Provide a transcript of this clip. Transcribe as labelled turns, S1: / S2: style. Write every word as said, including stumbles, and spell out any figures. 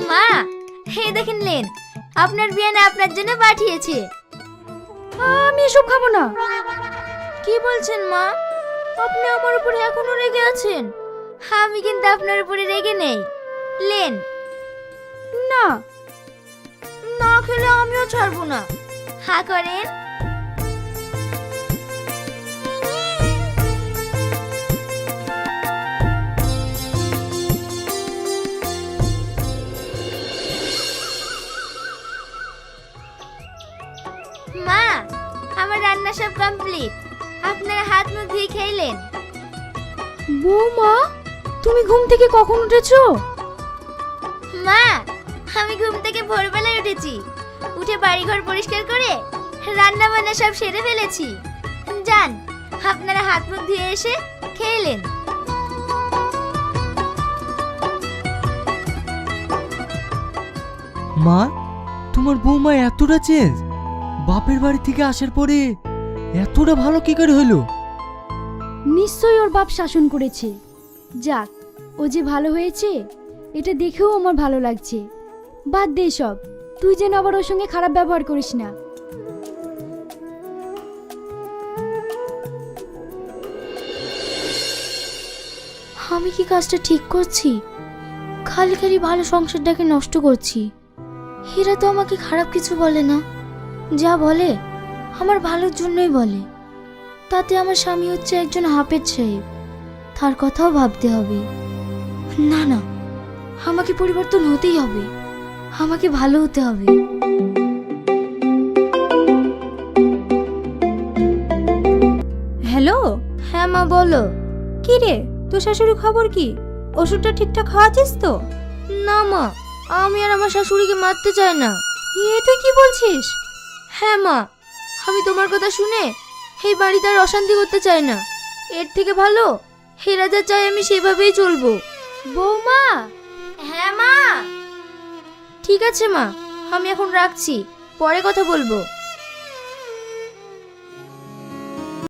S1: মা, এই দেখেন লেন, আপনার বিয়ানে আপনার জন্য পাঠিয়েছে।
S2: আমি এসব খাবো না।
S1: কি বলছেন মা? আপনি আমার উপরে এখনো রেগে আছেন? আমি কিন্তু আপনার উপরে রেগে নেই। লেন।
S2: না।
S1: না খেলে আমিও ছাড়বো না। হা করেন। মা, আমার রান্না সব কমপ্লিট। আপনারা হাত মুখ ধুয়ে খেলেন?
S2: বৌমা, তুমি ঘুম থেকে কখন উঠেছো?
S1: মা, আমি ঘুম থেকে ভোরবেলায় উঠেছি। উঠে বাড়িঘর পরিষ্কার করে রান্না বান্না সব সেরে ফেলেছি। যান, আপনারা হাত মুখ ধুয়ে এসে খেলেন।
S3: মা, তোমার বৌমা এতটা চেঞ্জ? বাপের বাড়ি থেকে আসার পরে এতটা ভালো কি করে হলো?
S2: নিশ্চয়ই ওর বাপ শাসন করেছে। যাক, ও যে ভালো হয়েছে এটা দেখেও আমার ভালো লাগছে। বাদ দে সব, তুই যেন আবার ওর সঙ্গে খারাপ ব্যবহার করিস না।
S1: আমি কি কাজটা ঠিক করছি? খালি খালি ভালো সংসারটাকে নষ্ট করছি। হীরা তো আমাকে খারাপ কিছু বলে না, যা বলে আমার ভালোর জন্যই বলে। তাতে আমার স্বামী হচ্ছে একজন হাফেজ সাহেব, তার কথাও ভাবতে হবে। না না, আমাকে পরিবর্তন হতেই হবে, আমাকে ভালো হতে হবে।
S4: হ্যালো।
S1: হ্যাঁ মা, বলো।
S4: কি রে, তোর শাশুড়ি খবর কি? ওষুধটা ঠিকঠাক খাওয়াছিস তো?
S1: না মা, আমি আর আমার শাশুড়িকে মারতে চাই না।
S4: এ তুই কি বলছিস?
S1: হ্যাঁ মা, আমি তোমার কথা শুনে এই বাড়িতে আর অশান্তি করতে চাই না। এর থেকে ভালো হেরা যা চাই আমি সেভাবেই চলবো।
S2: বৌমা।
S1: হ্যাঁ মা। ঠিক আছে মা, আমি এখন রাখছি, পরে কথা বলবো।